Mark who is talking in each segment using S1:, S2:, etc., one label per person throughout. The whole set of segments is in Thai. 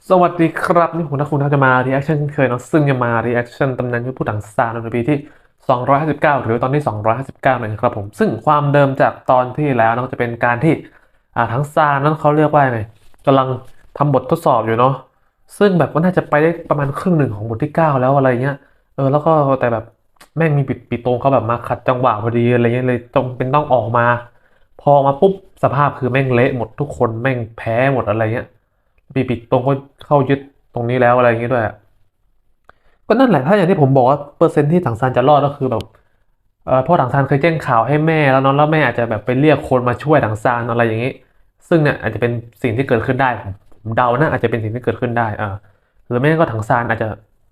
S1: สวัสดีครับนี่ผมนักคุณจะมา reaction เช่นเคยเนาะซึ่งจะมา reaction ตำนานยุทธผู้ถังซานในปีที่259หรือตอนที่259นะครับผมซึ่งความเดิมจากตอนที่แล้วนะจะเป็นการที่ทั้งซานนั้นเขาเรียกว่าไงกำลังทำบททดสอบอยู่เนาะซึ่งแบบก็น่าจะไปได้ประมาณครึ่งหนึ่งของบทที่9แล้วอะไรเงี้ยแล้วก็แต่แบบแม่งมีปิดโตงเขาแบบมาขัดจังหวะพอดีอะไรเงี้ยเลยจงเป็นต้องออกมาพอมาปุ๊บสภาพคือแม่งเละหมดทุกคนแม่งแพ้หมดอะไรเงี้ย ปิดตรงก็เข้ายึดตรงนี้แล้วอะไรอย่างงี้ด้วยอะก็นั่นแหละถ้าอย่างที่ผมบอกว่าเปอร์เซ็นต์ที่ถังซานจะรอดก็คือแบบพ่อถังซานเคยแจ้งข่าวให้แม่แล้วเนาะแล้วแม่อาจจะแบบไปเรียกคนมาช่วยถังซานอะไรอย่างงี้ซึ่งเนี่ยอาจจะเป็นสิ่งที่เกิดขึ้นได้ผมเดานะอาจจะเป็นสิ่งที่เกิดขึ้นได้หรือไม่งั้นก็ถังซานอาจจะ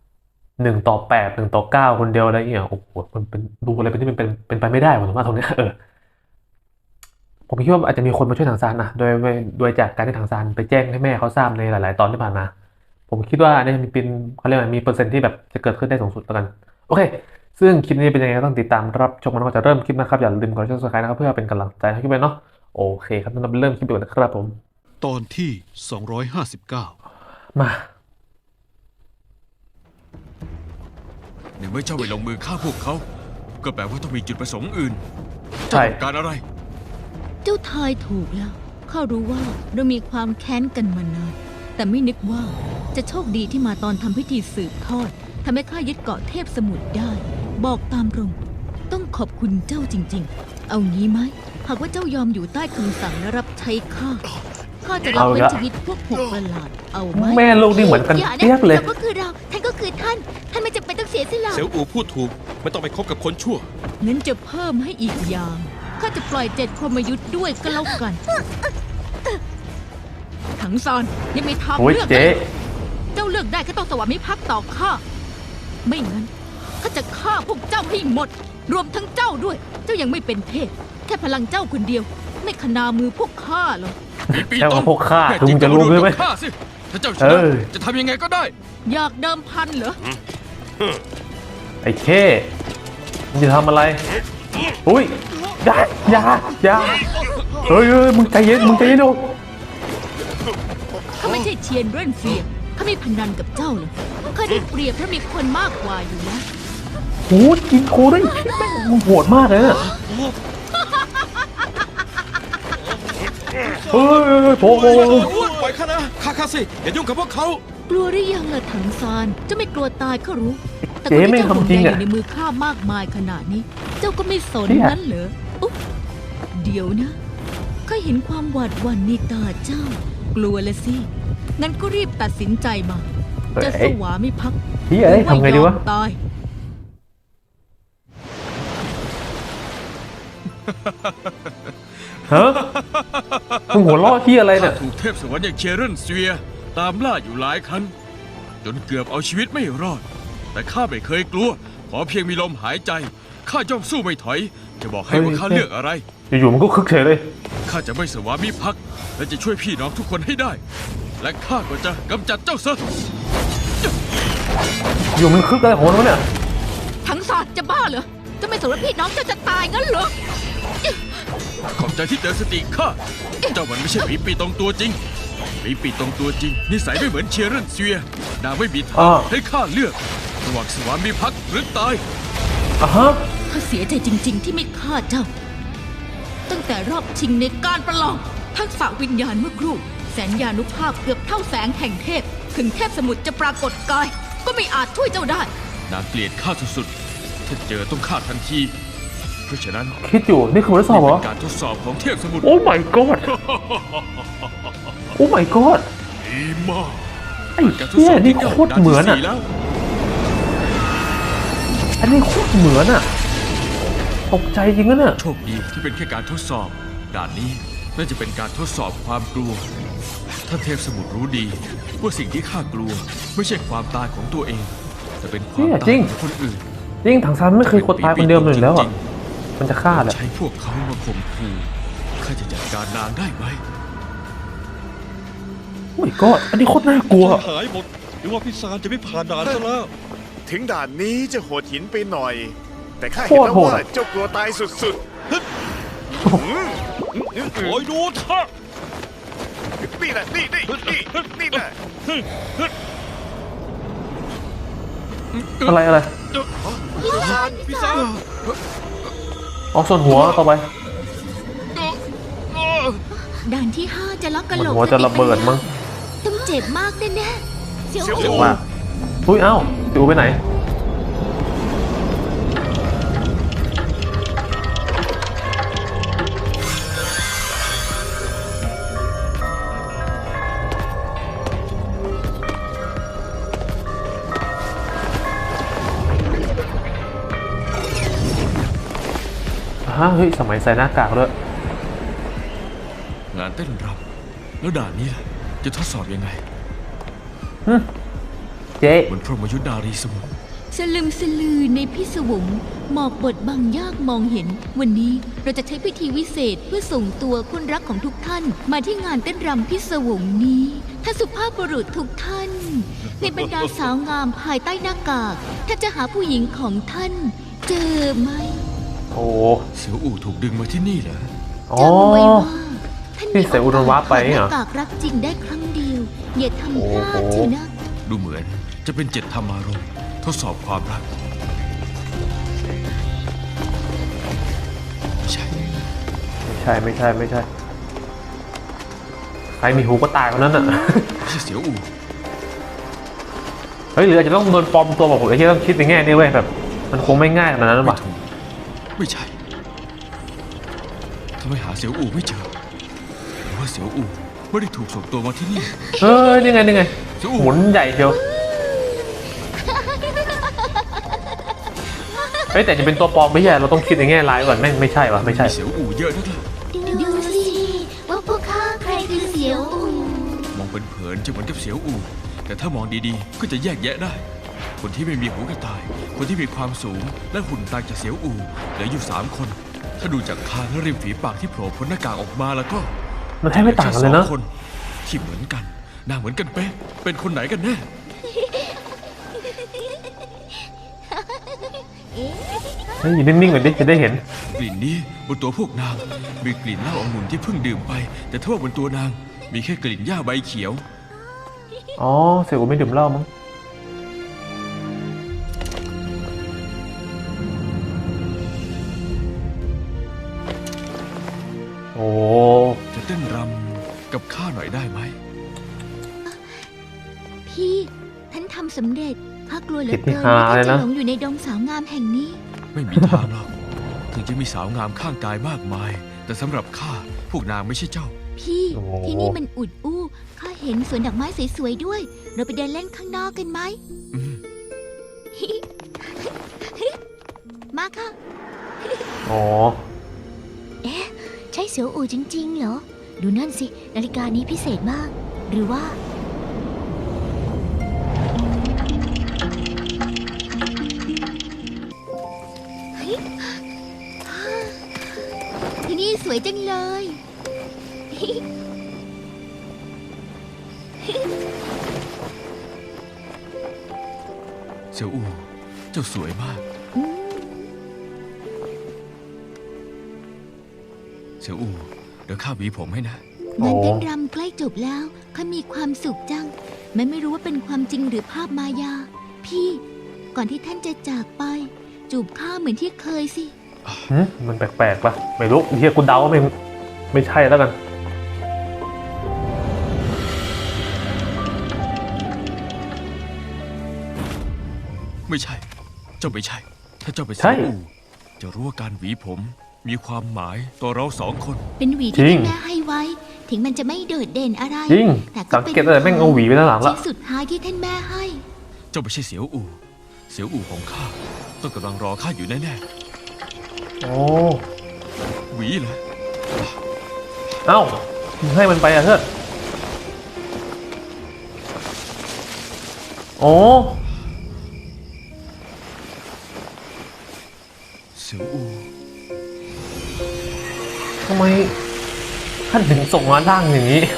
S1: 1-81-9คนเดียวอะไรอย่างเงี้ยโอ้โหมันเป็นดูอะไรเป็นที่เป็นไปไม่ได้ผมว่าตรงเนี้ยผมคิดว่าอาจจะมีคนมาช่วยถังซานนะโดยจากการที่ถังซานไปแจ้งให้แม่เขาทราบในหลายๆตอนที่ผ่านมาผมคิดว่าเนี่ยมีเป็นเขาเรียกว่ามีเปอร์เซ็นต์ที่แบบจะเกิดขึ้นได้สูงสุดแล้วกันโอเคซึ่งคลิปนี้เป็นยังไงก็ต้องติดตามรับชมมันก็จะเริ่มคลิปนะครับอย่าลืมกด subscribe นะครับเพื่อเป็นกำลังใจให้คลิปไปเนาะโอเคครับงั้นเราเริ่มคลิปกันนะครับผม
S2: ตอนที่ 259
S1: มา
S2: ในเมื่อเจ้าไม่ลงมือฆ่าพวกเขา ก็แปลว่าต้องมีจุดประสงค์อื่นเจ้า
S1: ใช่
S2: ต้องการอะไร
S3: เจ้าทายถูกแล้ว ข้ารู้ว่าเรามีความแค้นกันมานาน แต่ไม่นึกว่าจะโชคดีที่มาตอนทำพิธีสืบทอดทำให้ข้ายึดเกาะเทพสมุทรได้ บอกตามตรง ต้องขอบคุณเจ้าจริงๆ เอางี้ไหม หากว่าเจ้ายอมอยู่ใต้คำสั่งและรับใช้ข้า ข้าจะรับเป็นชีวิตพวกหกประหลาด เอาไหม
S1: แม่ลูกนี่เหมือนกัน
S3: อย่านะ
S1: เทียบเลย
S3: เราก็คือเรา ท่านก็คือท่าน ท่านไม่จำเป็นต้องเสียสละ
S4: เสี่ยวอูพูดถูกไม่ต้องไปคบกับคนชั่ว
S3: งั้นจะเพิ่มให้อีกอย่าง ข้าจะปล่อย7 พรหมยุทธ์ด้วยก็แล้วกัน ถังซานยังมีทาง
S1: โอ้ย
S3: เลือก
S1: เจ๊
S3: เจ้าเลือกได้ก็ต้องสวามิภักดิ์ต่อข้า ไม่งั้นข้าจะฆ่าพวกเจ้าให้หมด รวมทั้งเจ้าด้วย เจ้ายังไม่เป็นเทพ แค่พลังเจ้าคนเดียว ไม่ขนามือพวกข้าหรอก
S2: มีปี
S1: แค่ว่าพวกข้า
S2: แน่
S1: ถึงจะรู้ใช่ไหม
S2: ฆ่าสิถ้าเจ้าช
S1: เอ
S2: นะ
S1: อ
S2: จะทำยังไงก็ได้
S3: อยากเดิมพันเหรอ
S1: ไอ้เคมึงจะทำอะไรอุ้ยอย่าเฮ้ยมึงใจเย็นดู
S3: ข้าไม่ใช่เทียนเร่นเฟียข้าไม่พนันกับเจ้าเลยข้าได้เปรียบเพราะมีคนมากกว่าอยู่แล้ว
S1: โหกินโคด้วยแม่งมึงโหดมากเลยอะเฮ้ยโผล่
S4: ปล่อยข้านะข้าสิอย่ายุ่งกับพวกเขา
S3: กลัวหรือยังล่ะถังซานเจ้าไม่กลัวตายก็รู้ แต่
S1: เจ๊
S3: คน
S1: ไม่
S3: ที่เจ้าห่วง
S1: ทำจริง
S3: ใยอ
S1: อ่ะ
S3: ยู่ในมือข้ามากมายขนาดนี้ เจ้าก็ไม่สน
S1: เนี่ย
S3: นั้นเหรออุ๊บเดี๋ยวนะข้าเห็นความหวาดหวั่นในตาเจ้า กลัวละสิ งั้นก็รีบตัดสินใจมา จะสวามิภักดิ์
S1: เฮ้ยทำไงดีวะ
S3: ตาย
S1: ฮะมึงหัวเราะที่อะไรเนี่ย
S2: ถูกเทพสวรรค์อย่างเชเรนเซีย ตามล่าอยู่หลายครั้ง จนเกือบเอาชีวิตไม่รอด แต่ข้าไม่เคยกลัว ขอเพียงมีลมหายใจ ข้าย่อมสู้ไม่ถอย จะบอกให้ว่าข้าเลือกอะไร
S1: อยู่ๆมันก็คึกเฉยเลย
S2: ข้าจะไม่สวามิภักดิ์และจะช่วยพี่น้องทุกคนให้ได้ และข้าก็จะกำจัดเจ้าซะ
S1: อยู่มันคึกอะไรของมันวะเนี่ย
S3: ทั้งซานจะบ้าเหรอ จะไม่สนว่าพี่น้องเจ้าจะตายงั้นเหรอ
S2: ขอบใจที่เตือนสติข้า เจ้ามันไม่ใช่หมีปีตรงตัวจริงหมีปีตรงตัวจริงนิสัยไม่เหมือนเชียร์เรนเซียนางไม่มีทางให้ข้าเลือกระหว่างสวามิภักดิ์หรือตาย
S1: อ่ะฮะ
S3: ข้าเสียใจจริง ๆ ที่ไม่ฆ่าเจ้า ตั้งแต่รอบชิงในการประลองทักษะวิญญาณเมื่อครู่ แสนยานุภาพเกือบเท่าแสงแห่งเทพ ถึงเทพสมุทรจะปรากฏกาย ก็ไม่อาจช่วยเจ้าได้
S2: นางเกลียดข้าสุดๆถ้าเจอต้องฆ่าทันที เพราะฉะนั้น
S1: คิดอยู่นี่คือบททดสอบเหรอ
S2: เป็นการทดสอบของเทพสมุทร
S1: โอ้ my god โอ้ my god
S2: ดีมาก
S1: ไอ้
S2: การทด
S1: เหี้
S2: ส
S1: ย
S2: อบ
S1: นี่
S2: ที่
S1: โคตรเหมือน
S2: ด่า
S1: อ่ะ
S2: ที่4แล้ว
S1: อันนี้โคตรเหมือนอ่ะตกใจจริงนะเนี่ย
S2: โชคดีที่เป็นแค่การทดสอบด่านนี้น่าจะเป็นการทดสอบความกลัวท่านเทพสมุทรรู้ดีว่าสิ่งที่ข้ากลัวไม่ใช่ความตายของตัวเอง แต่เป็นความ
S1: เนี่ย
S2: ตา
S1: จริ
S2: ย
S1: ง
S2: ของคนอื่น
S1: จริงถังซานไม่เคยกดตายคนเดิมเลยอยู่แล้วอ่ะมันจะฆ่าแหละ
S2: ใช้พวกเขามาข่มขู่ข้าจะจัดการนางได้ไหม
S1: โอ้ my god อันนี้โคตรน่ากลัว
S4: หายหมดหรือว่าพี่ซานจะไม่ผ่านด่านซะแล้ว
S5: ถึงด่านนี้จะโหดหินไปหน่อย แต่ข้า
S1: โค
S5: เห็น
S1: ตร
S5: แล้ว
S1: โหด
S5: ว่า
S1: อะ
S5: เจ้ากลัวตายสุด
S4: โอยดูท่า
S5: นี่แหละนี่แหละ
S1: อะไร
S4: พี่ซาน
S1: อ๋อส่วนหัวต่อไป
S3: ด่านที่ 5 จะล็อกกระ
S1: เห
S3: โห
S1: มื
S3: ล
S1: อน
S3: ก
S1: หัวจะระเบิดมั้ง
S3: ต้องเจ็บมากแน่ๆเสียว
S5: เสียว
S3: อู
S1: ว่าอุ้ยเอ้าสิวไปไหนเฮ้ยสมัยใส่หน้ากากด้วย
S2: งานเต้นรำแล้วด่านนี้ล่ะจะทดสอบยังไง
S1: เจ๊
S2: บนพรหมยุทธนารีสมุทร
S3: สลึมสลือในพิศวงหมอกบดบังยากมองเห็น วันนี้เราจะใช้พิธีวิเศษเพื่อส่งตัวคนรักของทุกท่าน มาที่งานเต้นรำพิศวงนี้ท่านสุภาพบุรุษทุกท่าน ในบรรดาสาวงามภายใต้หน้ากากท่านจะหาผู้หญิงของท่าน เจอไหม
S1: โอ้
S2: เสียวอู่ถูกดึงมาที่นี่เหรอ
S1: อ๋อ
S3: จำไว้ว่าท่าน
S1: ที่เสียอุดรวะไป
S3: มี
S1: เหร
S3: โอ
S1: อ
S3: กาสรักจริงได้ครั้งเดียว อย่าทำพลาด
S1: โอ้โห
S3: เถอะนะ
S2: ดูเหมือนจะเป็น7 ธรรมารมณ์ทดสอบความรักไม่ใช่
S1: ไม่ใช่ใครมีหูก็ตายคนนั้นอ่ะ
S2: ไม่ใช่เสียวอู่
S1: เฮ้ยหรืออาจจะต้องโดนปลอมตัวบอกผมไอ้ที่ต้องคิดในแง่นี้เว้ยแบบมันคงไม่ง่ายขนาดนั้นหรอ
S2: ไม่
S1: วะ
S2: ถูกไม่ใช่ทำไมหาเสียวอู่ไม่เจอหรือว่าเสียวอู่ไม่ได้ถูกส่งตัวมาที่นี่
S1: นี่ไง
S2: เสียวอู่
S1: หมุนใหญ่เชียวเฮ้ยแต่จะเป็นตัวปลอมไม่ใช่เราต้องคิดในแง่ร้ายก่อนแม่งไม่ใช่วะไม่ใช่
S2: มีเสียวอู่เยอะนักล่ะ
S3: ดูสิว่าพวกข้าใครคือเสียวอู
S2: มองเป็นเผินจะเหมือนกับเสียวอู่แต่ถ้ามองดีๆ ก็จะแยกแยะได้ คนที่ไม่มีหูกระต่าย คนที่มีความสูงและหุ่นต่างจากเสียวอู่เหลืออยู่3 คน ถ้าดูจากคางและริมฝีปากที่โผล่พ้นหน้ากากออกมาแล้วก็
S1: มันแทบไม่ต่างกันเลยนะ
S2: แค่2 คนที่เหมือนกันหน้าเหมือนกันเป๊ะเป็นคนไหนกันแน่
S1: เฮ้ยอยู่นิ่งๆก่อนดิจะได้เห็น
S2: กลิ่นนี้บนตัวพวกนางมีกลิ่นเหล้าองุ่นที่เพิ่งดื่มไป แต่ถ้าว่าบนตัวนางมีแค่กลิ่นหญ้าใบเขียว
S1: อ๋อเสี่ยวกูไม่ดื่มเหล้ามั้งโอ้
S2: จะเต้นรำกับข้าหน่อยได้ไหม
S3: พี่ท่านทำสำเร็จข้ากลัวเหลือ
S1: ผิดที่
S3: เกิน
S1: หา
S3: ว่า
S1: เล
S3: ท่าย นจะ
S1: นะ
S3: หลงอยู่ในดงสาวงามแห่งนี้
S2: ไม่มีทางหรอกถึงจะมีสาวงามข้างกายมากมาย แต่สำหรับข้าพวกนางไม่ใช่เจ้า
S3: พี่
S1: โอ้โห
S3: ที่นี่มันอุดอู้ข้าเห็นสวนดอกไม้สวยๆด้วย เราไปเดินเล่นข้างนอกกันไหม
S2: อืม
S3: มาค่ะ
S1: อ๋อ
S3: ใช่เสียวอู่จริงๆเหรอ ดูนั่นสิ นาฬิกานี้พิเศษมาก หรือว่า ที่นี่สวยจังเลย
S2: เสี่ยวอู่เจ้าสวยมาก เสี่ยวอู่เดี๋ยวข้าหวีผมให้นะ
S1: โอ้
S3: งานเต้นรำใกล้จบแล้วข้ามีความสุขจังแม้ไม่รู้ว่าเป็นความจริงหรือภาพมายา พี่ ก่อนที่ท่านจะจากไป จูบข้าเหมือนที่เคยสิ
S1: มันแปลกๆป่ะไม่รู้เฮียกูเดาว่าไม่ใช่แล้วกัน
S2: ไม่ใช่ เจ้าไม่ใช่ ถ้าเจ้าไปน
S1: ใช่
S2: เสี่ยวอู่จะรู้ว่าการหวีผมมีความหมายต่อเรา2 คน
S3: เป็นหวี
S1: จริ
S3: ที่
S1: ง
S3: ท่านแม่ให้ไว้ ถึงมันจะไม่โดดเด่นอะไร
S1: จริง
S3: แต่
S1: สังเกตตั้งแต่แม่งเอาหวีไปด้านหลังละ
S3: ชิ้นสุดท้ายที่ท่านแม่ให้
S2: เจ้าไม่ใช่เสี่ยวอู่เสี่ยวอู่ของข้าต้องกำลังรอข้าอยู่แน่
S1: โอ้
S2: ๆหวีเหรอ
S1: เอ้ามึงให้มันไปอ่ะเถอะโอ้
S2: เสี่ยวอู่
S1: ทำไมท่านถึงส่งมาร่างอย่างนี้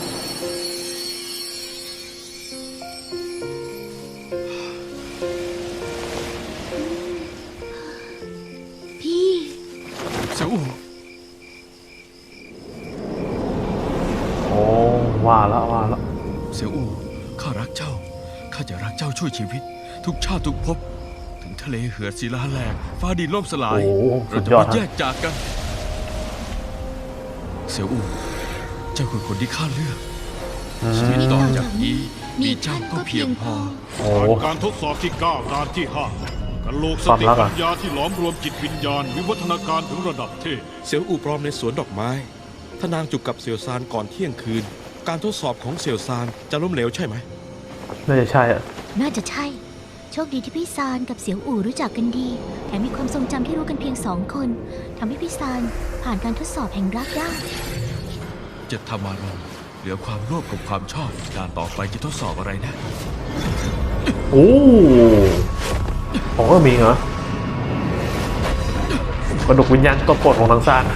S3: พี่
S2: เสี่ยวอู่
S1: โอ้ว้าวแล้วมาแล้ว
S2: เสี่ยวอูข้ารักเจ้าข้าจะรักเจ้าช่วยชีวิต ทุกชาติทุกภพถึงทะเลเหือดศิลาแหลกฟ้าดินล่มสลาย
S1: โอ้โหสุ
S2: เรา
S1: ด
S2: จะ
S1: ยอด
S2: ไม่
S1: ฮะ
S2: แยกจากกัน เสี่ยวอูเจ้าคือคนที่ข้าเลือก ชีวิตต่อจากนี้มีเจ้าก็เพียงพอ
S1: โอ้
S4: ผ่านการทดสอบที่ 9 ด่านที่ 5กันโหลกสติปัญญาที่หลอมรวมจิตวิญญาณ วิวัฒนาการถึงระดับเทพ
S6: เสี่ยวอู่ปลอมในสวนดอกไม้ ถ้านางจูบกับเสี่ยวซานก่อนเที่ยงคืน การทดสอบของเสี่ยวซานจะล้มเหลวใช่ไหม
S1: น่าจะใช่อะ
S7: น่าจะใช่ โชคดีที่พี่ซานกับเสียวอู่รู้จักกันดี แถมมีความทรงจำที่รู้กันเพียง2 คนทำให้พี่ซานผ่านการทดสอบแห่งรักได้
S2: จะทำอารมณ์เหลือความโลภกับความชอบการต่อไปจะทดสอบอะไรนะ
S1: โอ้ของก็มีเหรอ กระดูกวิญญาณตัวโปรดของทางซาน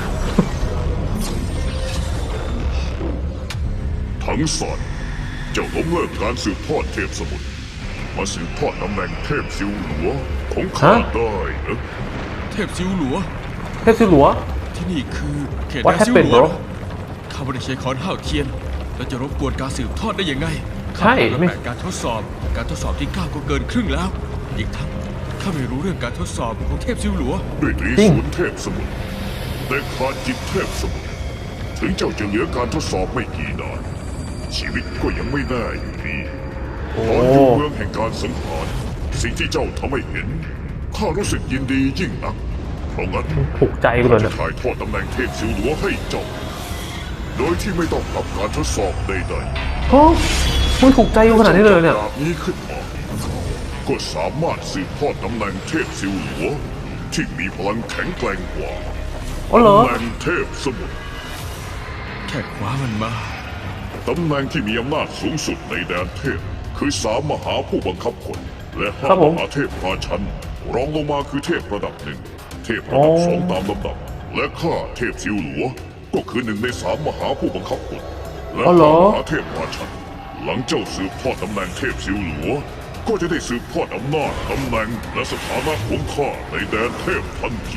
S8: ทั้งสอนเจ้าล้มเลิกการสืบทอดเทพสมุทรมาสืบทอดตำแหน่งเทพซิวหลัวของข้า
S1: ฮะ
S8: ได้นะ
S2: เทพซิวหลัว
S1: เทพซิหลัว
S2: ที่นี่คือเขต
S1: What
S2: แดนซิวห
S1: happened,
S2: ลัว
S1: bro?
S2: ข้าไม่ได้ใช้ค้อนห้าวเทียน แล้วจะรบกวนการสืบทอดได้ยังไง
S1: ใช่
S2: ข้า
S1: ไม่
S2: แปดการทดสอบ การทดสอบที่ 9 ก็เกินครึ่งแล้ว อีกทั้งข้าไม่รู้เรื่องการทดสอบของเทพซิวหลัว
S8: ด้วยตรี
S1: จริง
S8: ศูนย์เทพสมุทรแต่ขาดจิตเทพสมุทรถึงเจ้าจะเหลือการทดสอบไม่กี่นานชีวิตก็ยังไม่แน่อยู่ดี
S1: โอ้
S8: ตอนอยู่เมืองแห่งการสังหารสิ่งที่เจ้าทำให้เห็นข้ารู้สึกยินดียิ่งนักเพราะงั้น
S1: ถูกใจกูเลย
S8: จะ
S1: เนี่ย
S8: ถ่ายทอดตำแหน่งเทพซิวหลัวให้เจ้า โดยที่ไม่ต้องรับการทดสอบใดๆ
S1: โอ้มึงถูกใจกูขนาดนี้เลยเนี่ย
S8: ดาบนี้ขึ้นมาก็สามารถสืบทอดตำแหน่งเทพซิวหลัวที่มีพลังแข็งแกร่งกว่า
S1: อ๋อเหรอ
S8: ตำแหน่งเทพสมุทร
S2: แค่คว้ามันมา
S8: ตำแหน่งที่มีอำนาจสูงสุดในแดนเทพ คือ3 มหาผู้บังคับคน และ
S1: ครับผม
S8: 5 มหาเทพราชันรองลงมาคือเทพระดับ 1 เทพระดับ 2 ตามลำดับ และข้าเทพซิวหลัวก็คือ1 ใน 3 มหาผู้บังคับคนและ
S1: อ๋อเหรอ
S8: 5 มหาเทพราชัน หลังเจ้าสืบทอดตำแหน่งเทพซิวหลัวก็จะได้สืบทอดอำนาจตำแหน่งและสถานะของข้าในแดนเทพทันที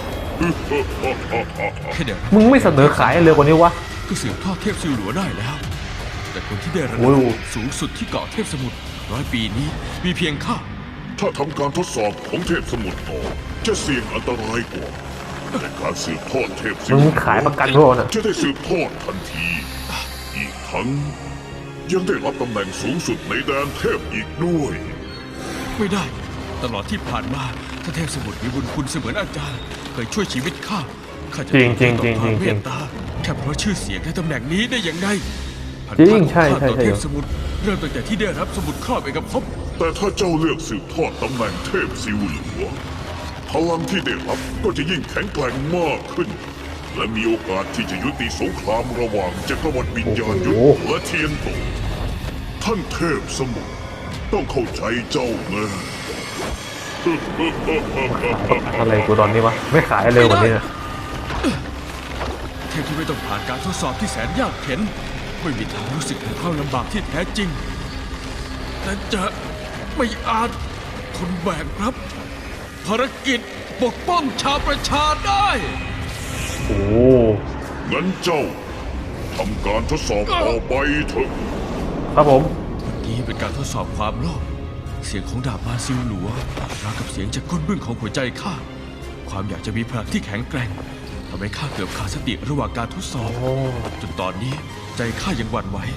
S2: แค่เดี๋ยว
S1: มึงไม่เสนอขายเร็วกว่านี้วะ
S2: ก็สืบทอดเทพซิวหลัวได้แล้ว แต่คนที่ได้ระ
S1: โอ้
S2: ดับ
S1: ย
S2: สูงสุดที่เกาะเทพสมุทร100 ปีนี้มีเพียงข้า
S8: ถ้าทำการทดสอบของเทพสมุทรต่อจะเสี่ยงอันตรายกว่าแต่การสืบทอดเทพซิว
S1: มึงขายประกันด้วยนะ
S8: จะได้สืบทอดทันที อีกทั้งยังได้รับตำแหน่งสูงสุดในแดนเทพอีกด้วย
S2: ไม่ได้ ตลอดที่ผ่านมาถ้าเทพสมุทรมีบุญคุณเสมือนอาจารย์เคยช่วยชีวิตข้าข้าจะ
S1: จริง
S2: ตอบ
S1: จริง
S2: แทน
S1: จริง
S2: ต่อความ
S1: จริง
S2: เมตตาแค่เพราะชื่อเสียงและตำแหน่งนี้ได้อย่างไรพัน
S1: จริ
S2: ธะ
S1: ง
S2: ของ
S1: ใช่
S2: ข้า
S1: ใช่
S2: ต่อ
S1: ใช่
S2: เทพสมุทรเริ่มตั้งแต่ที่ได้รับสมุดครอบเอกภพ
S8: แต่ถ้าเจ้าเลือกสืบทอดตำแหน่งเทพซิวหลัวพลังที่ได้รับก็จะยิ่งแข็งแกร่งมากขึ้น และมีโอกาสที่จะยุติสงครามระหว่างจักรวรรดิวิญญาณยุทธ
S1: โอ้โห
S8: และเทียนโตท่านเทพสมุทรต้องเข้าใจเจ้านะ
S1: อะไรกูตอนนี้วะ ไม่ขายเร็วกว่านี้นะ
S2: เทพที่ไม่ต้องผ่านการทดสอบที่แสนยากเข็ญไม่มีทางรู้สึกถึงความลำบากที่แท้จริงและจะไม่อาจทนแบกรับ ภารกิจปกป้องชาวประชาได้
S1: โอ้
S8: งั้นเจ้าทำการทดสอบต่อไปเถอะ
S1: ครับผม
S2: นี่เป็นการทดสอบความโลภเสียงของดาบมาซิลหลัวราวกับเสียงจากก้นบึ้งของหัวใจข้า ความอยากจะมีพลังที่แข็งแกร่งทำให้ข้าเกือบขาดสติระหว่างการทดสอบ
S1: โอ้
S2: จนตอนนี้ใจข้ายังหวั่นไหว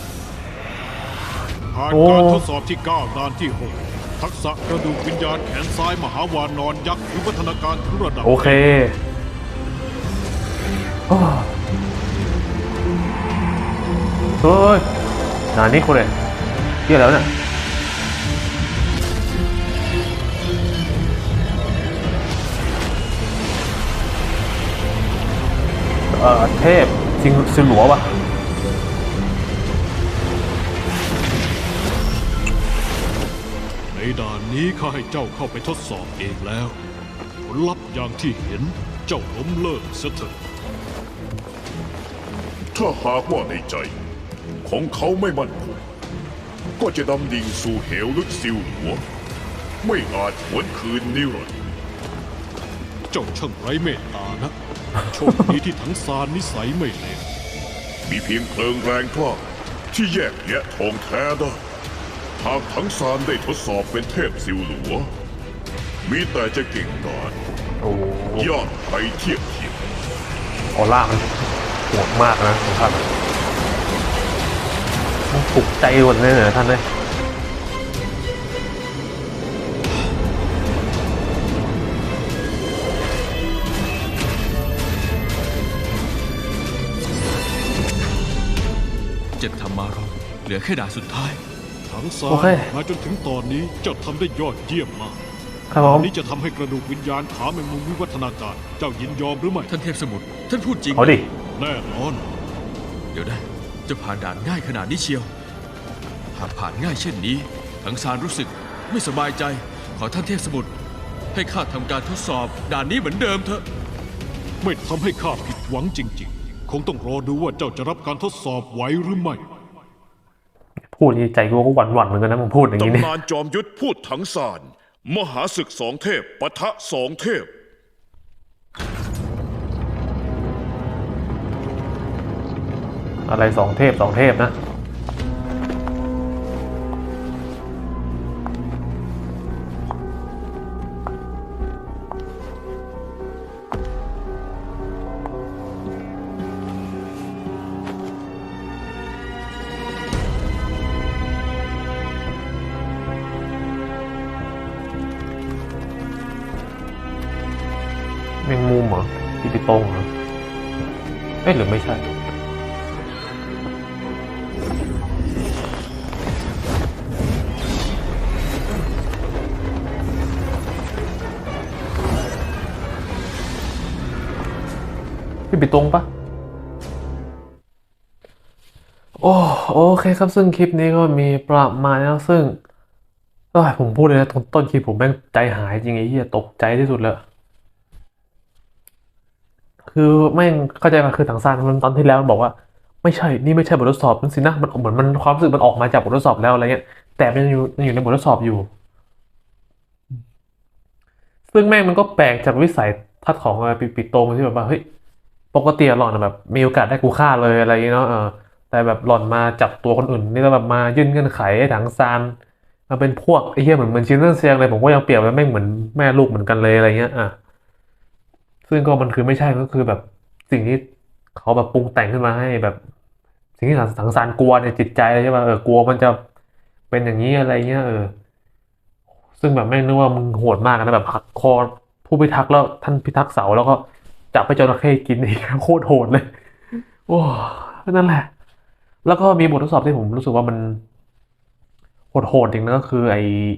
S4: ผ่าน
S1: โอ้
S4: การทดสอบที่ 9 ด่านที่ 6 ทักษะกระดูกวิญญาณแขนซ้ายมหาวานอนยักษ์วิวัฒนาการถึงระดับ
S1: โอเคโอ้เฮ้ยนานี่คนเลยเที่ยแล้วเนี่ยเทพจริงซิหลัววะ
S4: ในด่านนี้ข้าให้เจ้าเข้าไปทดสอบเองแล้ว ผลลัพธ์อย่างที่เห็นเจ้าล้มเลิกเสียเถอะ
S8: ถ้าหากว่าในใจ ของเขาไม่มั่นคงก็จะดำดิ่งสู่เหวลึกซิวหลัวไม่อาจหวนคืนนิรันดร์
S4: เจ้าช่างไร้เมตตานะ โชคดีที่ทั้งซานนิสัยไม่เลว
S8: มีเพียงเพลิงแรงกล้าที่แยกแยะทองแท้ได้หากถังซานได้ทดสอบเป็นเทพซิวหลัวมีแต่จะเก่งกาจ
S1: โอ้โห
S8: ยอดไปเทียบเทียม
S1: ออร่ามันโหดมากนะของท่านมันปลุกใจหมดเลยเหรอท่านเลย
S2: เจ็ดธรรมารองเหลือแค่ด่านสุดท้าย
S4: ถังซา
S1: โอเค
S4: มาจนถึงตอนนี้เจ้าทำได้ยอดเยี่ยมมาก
S1: ครับผ
S4: อั
S1: ม
S4: นนี้จะทำให้กระดูกวิญญาณขาแมงมุมวิวัฒนาการ เจ้ายินยอมหรือไม่
S2: ท่านเทพสมุทรท่านพูดจริง
S1: เอาดิ
S4: แน่นอน
S2: เดี๋ยวนะจะผ่านด่านง่ายขนาดนี้เชียว หากผ่านง่ายเช่นนี้ทั้งซานรู้สึกไม่สบายใจ ขอท่านเทพสมุทรให้ข้าทำการทดสอบด่านนี้เหมือนเดิมเถอะ
S4: ไม่ทำให้ข้าผิดหวังจริงๆ คงต้องรอดูว่าเจ้าจะรับการทดสอบไหวหรือไม่
S1: พูดอย่างนี้ใจกูก็หวั่นๆเหมือนกันนะมึงพูดอย่างนี้เนี่ย
S8: ตำนานจอมยุทธพูดถังซานมหาศึกสองเทพปะทะสองเทพ
S1: อะไรสองเทพนะแมงมุมเหรอปีปิโป้งเหรอเอ๊ะหรือไม่ใช่พี่ปิดตรงปะโอเคครับซึ่งคลิปนี้ก็มีประมาณนี้นะซึ่งผมพูดเลยนะต้นคลิปผมแม่งใจหายจริงไอ้เหี้ยตกใจที่สุดเลยคือแม่งเข้าใจป่ะคือถังซานมันตอนที่แล้วมันบอกว่าไม่ใช่นี่ไม่ใช่บททดสอบนั่นสินะมันเหมือนมันความรู้สึกมันออกมาจากบททดสอบแล้วอะไรเงี้ยแต่มันยังอยู่ในบททดสอบอยู่ ซึ่งแม่งมันก็แปลกจากวิสัยทัศน์ของปิโตมันที่แบบว่าเฮ้ยปกติหล่อนแบบมีโอกาสได้กูฆ่าเลยอะไรอย่างเงี้ยเนาะแต่แบบหล่อนมาจับตัวคนอื่นนี่แล้วแบบมายื่นเงื่อนไขให้ถังซานมาเป็นพวกไอ้เหี้ยเหมือนชินเรื่องเซียงเลยผมก็ยังเปรียบว่าแม่งเหมือนแม่ลูกเหมือนกันเลยอะไรเงี้ยซึ่งก็มันคือไม่ใช่ก็คือแบบสิ่งที่เขาแบบปรุงแต่งขึ้นมาให้แบบ สิ่งที่ถังซานกลัวในจิตใจเลยใช่ป่ะกลัวมันจะเป็นอย่างนี้อะไรเงี้ยซึ่งแบบแม่งนึกว่ามึงโหดมากนะแบบหักคอผู้พิทักษ์แล้วท่านพิทักษ์เสาแล้วก็จับไปจระเข้กินอีก โคตรโหดเลย โอ้นั่นแหละ แล้วก็มีบททดสอบที่ผมรู้สึกว่ามันโหดจริงนะก็คือไอ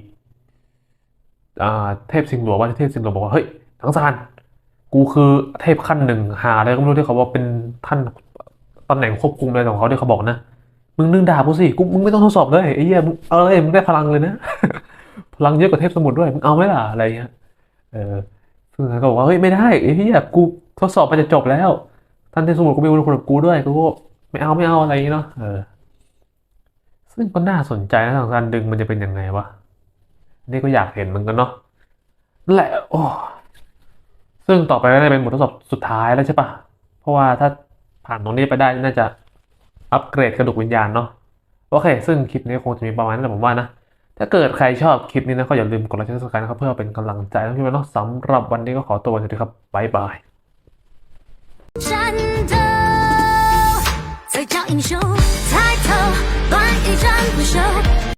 S1: เทพสิงห์หลวงว่าเทพสิงห์หลวงบอกว่าเฮ้ยถังซานกูคือเทพขั้นหนึ่งหาอะไรก็ไม่รู้ที่เขาว่าเป็นท่านตำแหน่งควบคุมอะไรของเขาที่เขาบอกนะมึงนึงด่ากูสิมึงไม่ต้องทดสอบเลยไอ้เหี้ยมึงมึงได้พลังเลยนะ พลังเยอะกว่าเทพสมุทรด้วยมึงเอาไหมล่ะอะไรเงี้ยซึ่งเขาก็บอกว่าเฮ้ยไม่ได้ไอ้เหี้ยกูทดสอบมันจะจบแล้วท่านเทพสมุทรกูมีบุญคุณกับกูด้วยกูก็ไม่เอาอะไรอย่างเงี้ยเนาะซึ่งก็น่าสนใจนะทางการดึงมันจะเป็นยังไงวะนี่ก็อยากเห็นเหมือนกันเนาะนั่นแหละซึ่งต่อไปก็ได้เป็นบททดสอบสุดท้ายแล้วใช่ปะเพราะว่าถ้าผ่านตรงนี้ไปได้น่าจะอัปเกรดกระดูกวิญญาณเนาะโอเคซึ่งคลิปนี้คงจะมีประมาณนั้นแหละผมว่านะถ้าเกิดใครชอบคลิปนี้นะก็อย่าลืมกดไลค์กดซับสไครต์นะครับเพื่อเป็นกำลังใจทั้งที่มันเนาะสำหรับวันนี้ก็ขอตัวสวัสดีครับบ๊ายบาย
S7: 战斗，再叫英雄抬头。